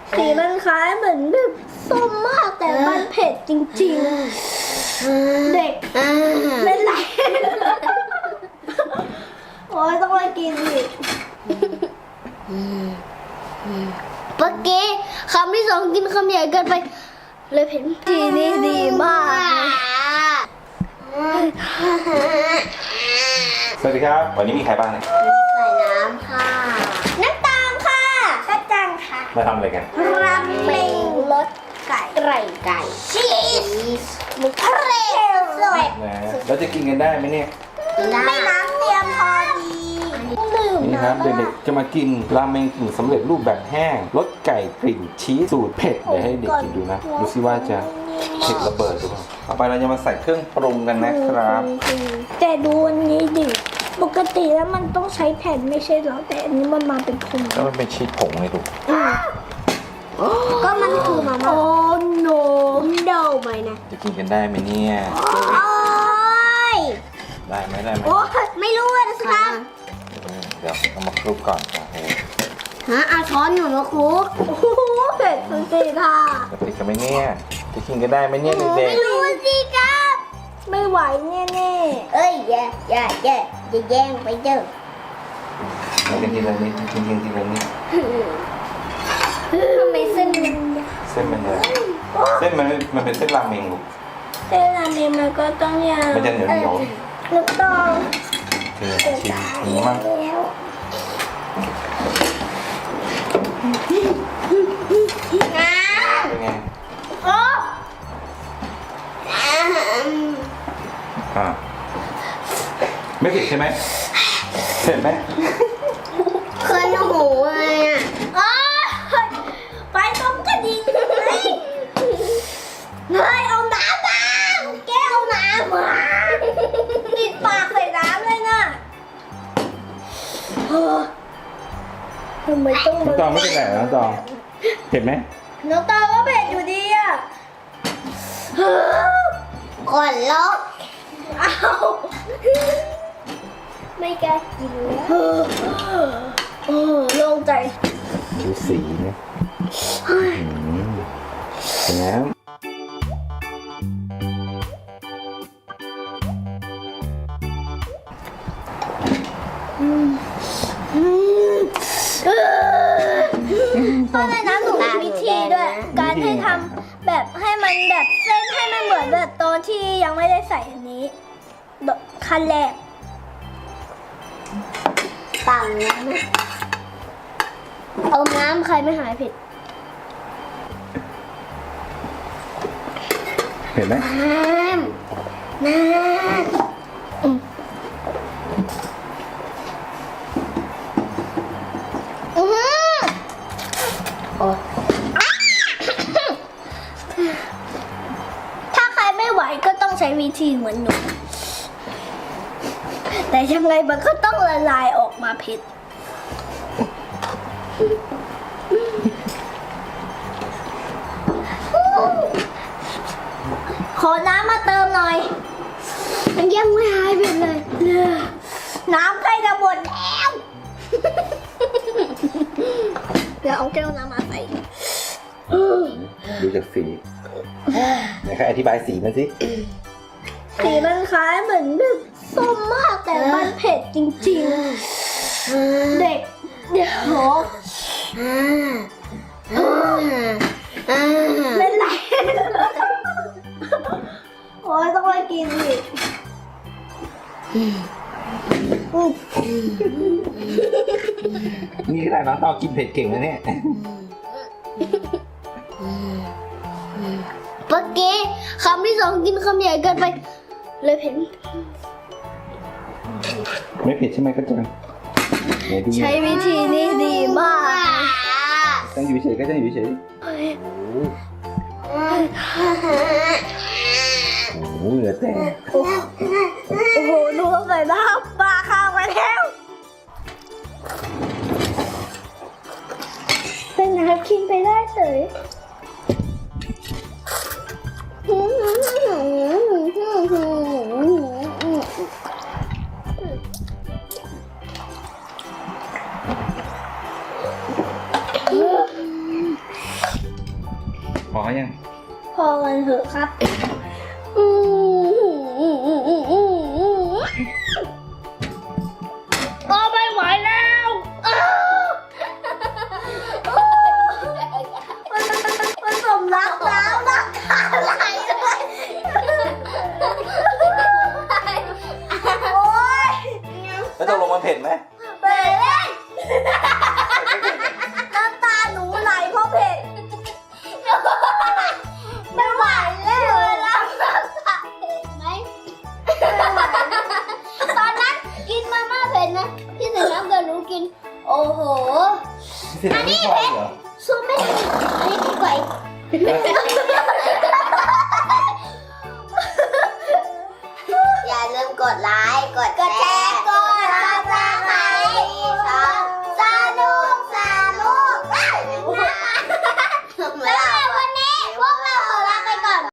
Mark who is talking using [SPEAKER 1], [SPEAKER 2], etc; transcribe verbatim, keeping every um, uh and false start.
[SPEAKER 1] สีมันคล้ายเหมือนแบบส้มมากแต่มันเผ็ดจริงๆเด็กเป็นไรโอ้ยต้องไปกินอีก
[SPEAKER 2] เมื่อกี้คำที่สองกินคำใหญ่เกินไปเลยเผ็ดทีนี้ดีมาก
[SPEAKER 3] สวัสดีครับวันนี้มีใครบ้างเนี่ย
[SPEAKER 2] ใส่น้ำค่ะน้ำตาลค่ะกระจังค่ะ
[SPEAKER 3] มาทำอะไรกัน
[SPEAKER 2] ราเมงรสไก่ไก่ไก่ชีสหมูทะเลสวย
[SPEAKER 3] นะเราจะกินกันได้ไหมเนี่ย
[SPEAKER 2] ไม่น้ำเตรียมพอดีดื่ม
[SPEAKER 3] นี่ครับเด็กๆจะมากินราเมงกึ่งสำเร็จรูปแบบแห้งรสไก่กลิ่นชีสสูตรเผ็ดเดี๋ยวให้เด็กกินดูนะดูซิว่าจะเผ็ดระเบิดหรือเปล่าต่อไปเราจะมาใส่เครื่องปรุงกันนะครับ
[SPEAKER 1] แต่ดูอันนี้ดิปกติแล้วมันต้องใช้แผ่นไม่ใช่เหรอแต่อันนี้มันมาเป็นผง
[SPEAKER 3] แล้วมันเป็นชีสผงเลยลูก
[SPEAKER 2] ก็มันคือมาม่า
[SPEAKER 1] โอ้โน
[SPEAKER 2] โดไปนะ
[SPEAKER 3] จะกินกันได้ไหมเนี่ย
[SPEAKER 2] โอ้ย
[SPEAKER 3] ได้ไหมได้ไหม
[SPEAKER 2] โอ้ยไม่รู้เลยนะครับ
[SPEAKER 3] อืมเดี๋ยวเอามาคลุกก่อนโอเค
[SPEAKER 2] ฮะเอาช้อนหนูมาคลุก
[SPEAKER 1] โอ้โหเผ็ดจริงๆค่ะ
[SPEAKER 3] จะติดกันไหมเนี่ยจะกินกันได้ไหมเนี่ยเด็ก
[SPEAKER 2] ไม่รู้สิครับ
[SPEAKER 1] ไม่ไหวแน่
[SPEAKER 2] เอ้ยอย่าอย่าอย่าอย่าแย่งไปเด้อ
[SPEAKER 3] ๆมากินทีละนิดกินกินทีละนิด
[SPEAKER 2] ทำไมเส้นมัน
[SPEAKER 3] เส้นมันเลยเส้นมันมันเป็นเส้นราเมงลูก
[SPEAKER 1] ๆแต่อันนี้มันก็ต้องยาว
[SPEAKER 3] มันจะเหนียวเหนียว
[SPEAKER 1] ลูกต้อง
[SPEAKER 3] ๆคือชิมหมูมั่ง
[SPEAKER 1] แล้ว
[SPEAKER 2] น้
[SPEAKER 3] เป็นไง
[SPEAKER 2] ำโอ้
[SPEAKER 3] อ่าไม่เผ็ดใช่ไหมเผ็ดไหม
[SPEAKER 2] เคยหูเลยอ่ะ
[SPEAKER 1] โอ๊ยไปต้มกระดิ่งเลยเฮ้ยเอาน้ำมาแก้วน้ำมาติดปากใส่น้ำเลยน่ะเฮ้อทำไมต้อง
[SPEAKER 3] น้องตองไม่เป็นไรเหรอน้องตองเผ็ดไหม
[SPEAKER 1] น้องตองก็เผ็ดอยู่ดีอ่ะ
[SPEAKER 2] ก่อนลบ
[SPEAKER 1] อ้าวไม่กล้ากินแล้วเออเออโล่งใจ
[SPEAKER 3] ดูสีนะอืมเป็นไงครับ
[SPEAKER 1] เพราะในนั้นหนูมีวิธีด้วย การให้ทำแบบให้มันแบบเส้นให้มันเหมือนแบบตอนที่ยังไม่ได้ใส่อันนี้ขั้นแรก
[SPEAKER 2] ปั่นน้ำเอาน้ำใครไม่หายเผ็ด
[SPEAKER 3] เผ็ดไหม
[SPEAKER 2] น้ำน้ำอืมอื้อหือโอ้ย
[SPEAKER 1] ถ้าใครไม่ไหวก็ต้องใช้วิธีเหมือนหนู แต่ยังไงมันก็ต้องละลายออกมาเผ็ด ขอน้ำมาเติมหน่อย
[SPEAKER 2] มันยังไม่หายเผ็ดเลย
[SPEAKER 1] น้ำใกล้จะหมดแล้ว เดี๋ยวเอาแก้วน้ำมาใส่
[SPEAKER 3] ดูจากสีไหนใครอธิบายสีมันสิ
[SPEAKER 1] สีมันคล้ายเหมือนแบบส้มมากแต่มันเผ็ดจริงๆ เด็ก เดี๋ยว
[SPEAKER 2] อ่าอ่าอ่า
[SPEAKER 1] เป็นไร โอ้ยต้องไปกินอีกอืม
[SPEAKER 3] นี่ขนาดน้องตองกินเผ็ดเก่งนะเนี่ย
[SPEAKER 2] เมื่อกี้คำที่สองกินคำใหญ่เกินไปเลยเผ็ด
[SPEAKER 3] ไม่เผ็ดใช่ไหมก็จังไหนดู
[SPEAKER 1] ใช้วิธีนี้ดีมาก
[SPEAKER 3] จังอยู่เฉยก็จังอยู่เฉยโอ้โหเหลือแต่
[SPEAKER 1] โอ้โหดูใส่น้ำปลาข้าวไปแล้ว เป็นน้ำกินไปได้เฉย
[SPEAKER 2] อ
[SPEAKER 3] อยัง
[SPEAKER 1] พอกันเถอะครับ
[SPEAKER 2] ก็ไม่ไหวแล้วอ้าว
[SPEAKER 1] มันมันสมรักแล้วรักอะไรเลยโอ๊ย
[SPEAKER 3] แล้วตกลงมันเผ็ดไหม
[SPEAKER 1] เผ็ดน้ำตาหนูไหลเพราะเผ็ดไม่ไหวแล้วเวลาน้ำตา
[SPEAKER 2] เผ็ดไหมตอนนั้นกินมาม่าเผ็ดนะที่ใส่น้ำกับหนูกิน โอ้โห
[SPEAKER 3] เผ็ดไม่พอเหรอ
[SPEAKER 2] สู้ไม่ได้อันนี้ไม่ไหว